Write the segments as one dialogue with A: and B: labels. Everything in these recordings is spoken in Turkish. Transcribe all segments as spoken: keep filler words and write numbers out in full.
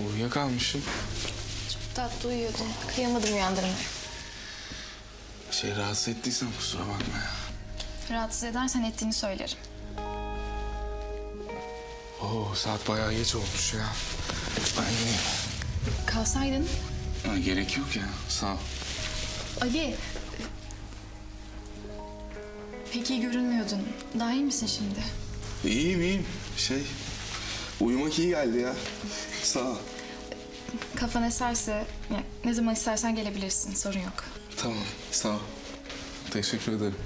A: Uyuyakalmışım.
B: Çok tatlı uyuyordun. Kıyamadım uyandırmaya.
A: Şey rahatsız ettiysem kusura bakma ya.
B: Rahatsız edersen ettiğini söylerim.
A: Oo saat bayağı geç olmuş ya. Ben gideyim.
B: Kalsaydın.
A: Ha, gerek yok ya. Sağ ol.
B: Ali. Pek iyi görünmüyordun. Daha iyi misin şimdi?
A: İyiyim iyiyim. Şey uyumak iyi geldi ya. Sağ ol.
B: Kafan eserse ya, ne zaman istersen gelebilirsin. Sorun yok.
A: Tamam sağ ol. Teşekkür ederim.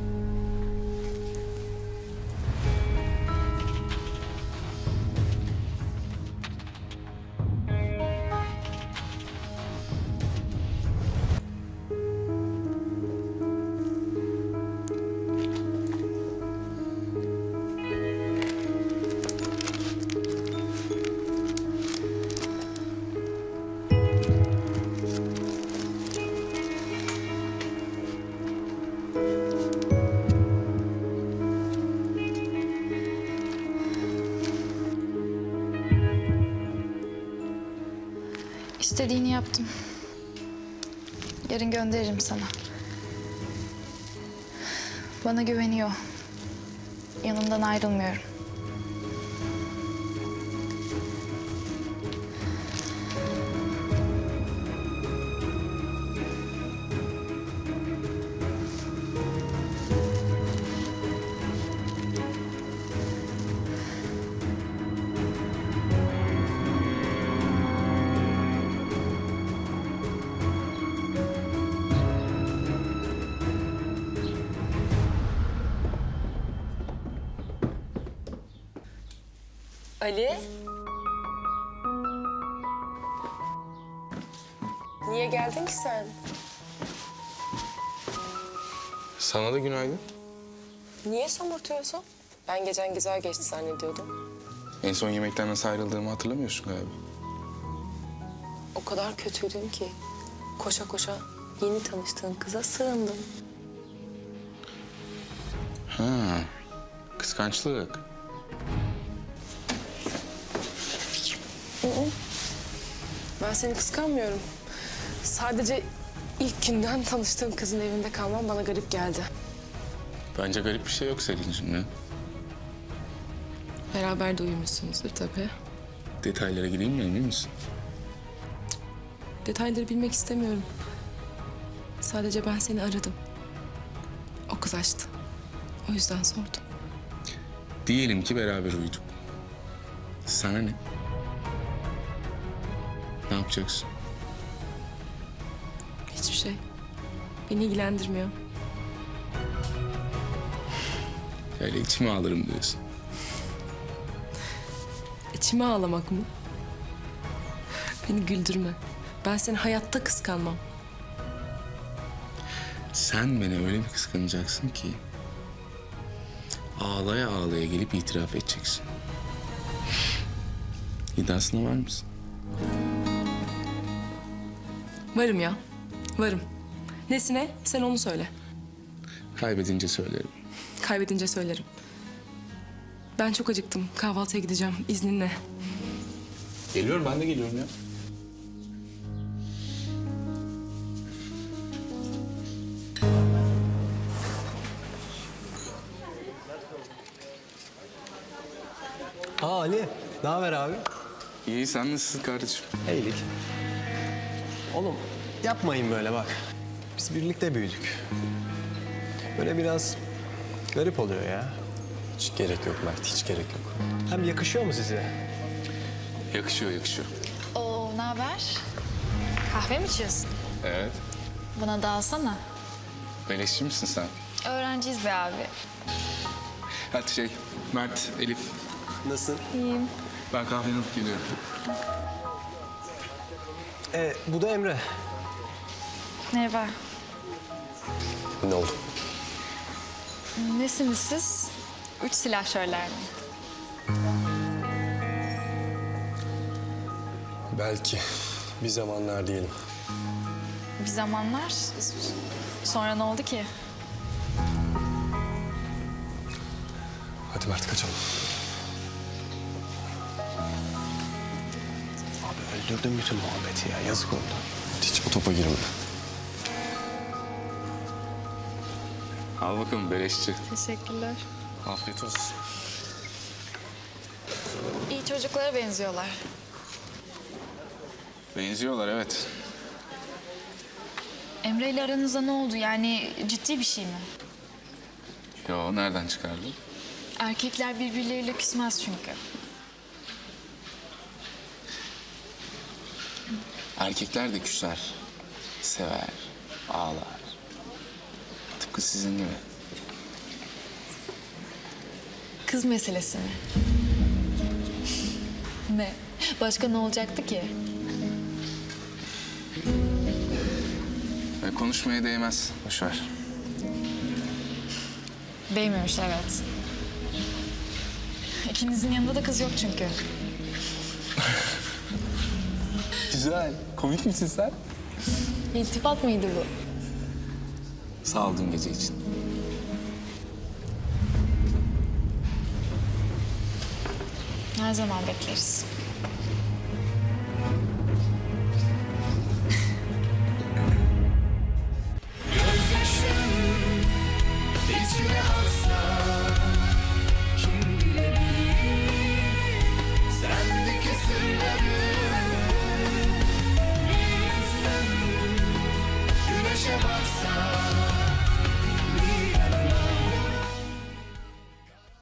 B: İstediğini yaptım. Yarın gönderirim sana. Bana güveniyor. Yanımdan ayrılmıyorum.
C: Ali? Niye geldin ki sen?
A: Sana da günaydın.
C: Niye somurtuyorsun? Ben gecen güzel geçti zannediyordum.
A: En son yemekten nasıl ayrıldığımı hatırlamıyorsun galiba.
C: O kadar kötüydün ki. Koşa koşa yeni tanıştığın kıza sığındım.
A: Ha, kıskançlık.
C: Ben seni kıskanmıyorum. Sadece ilk günden tanıştığım kızın evinde kalmam bana garip geldi.
A: Bence garip bir şey yok Selin'cim ya.
C: Beraber de uyumuşsunuzdur tabii.
A: Detaylara gireyim mi emin misin?
C: Detayları bilmek istemiyorum. Sadece ben seni aradım. O kız açtı. O yüzden sordum.
A: Diyelim ki beraber uyuduk. Sana ne? Ne yapacaksın?
C: Hiçbir şey. Beni ilgilendirmiyor.
A: Öyle içime alırım diyorsun.
C: İçime ağlamak mı? Beni güldürme. Ben seni hayatta kıskanmam.
A: Sen beni öyle bir kıskanacaksın ki... ağlaya ağlaya gelip itiraf edeceksin. İddiasına var mısın?
C: Varım ya. Varım. Nesine? Sen onu söyle.
A: Kaybedince söylerim.
C: Kaybedince söylerim. Ben çok acıktım. Kahvaltıya gideceğim. İzninle.
A: Geliyorum, ben de geliyorum ya.
D: Aa Ali, ne haber abi?
A: İyi, sen nasılsın kardeşim?
D: İyilik. Oğlum yapmayın böyle bak. Biz birlikte büyüdük. Böyle biraz garip oluyor ya.
E: Hiç gerek yok Mert, hiç gerek yok.
D: Hem yakışıyor mu size?
A: Yakışıyor, yakışıyor.
B: Oo, ne haber? Kahve mi içiyorsun?
A: Evet.
B: Bana da alsana.
A: Beleşçi misin sen?
B: Öğrenciyiz be abi.
A: Hadi şey, Mert, Elif.
D: Nasıl?
B: İyiyim.
A: Ben kahveni alıp geliyorum.
D: Ee, bu da Emre.
B: Merhaba.
E: Ne oldu?
B: Nesiniz siz? Üç silahşörler mi?
E: Belki bir zamanlar diyelim.
B: Bir zamanlar. Sonra ne oldu ki?
E: Hadi Mert kaçalım.
D: Abi Öldürdün bütün muhabbeti ya. Yazık oldu.
E: Hiç o topa girme.
A: Al bakalım beleşçi.
B: Teşekkürler.
A: Afiyet olsun.
B: İyi çocuklara benziyorlar.
A: Benziyorlar evet.
B: Emre ile aranızda ne oldu? Yani ciddi bir şey mi?
A: Yo nereden çıkardın?
B: Erkekler birbirleriyle küsmez çünkü.
A: Erkekler de küser. Sever. Ağlar. Tıpkı sizin gibi.
B: Kız meselesi mi? Ne? Başka ne olacaktı ki?
A: Ve konuşmaya değmez. Boş ver.
B: Değmemiş evet. İkinizin yanında da kız yok çünkü.
A: Güzel. Komik misin sen?
B: İltifat mıydı bu?
A: Sağ ol dün gece için.
B: Her zaman bekleriz.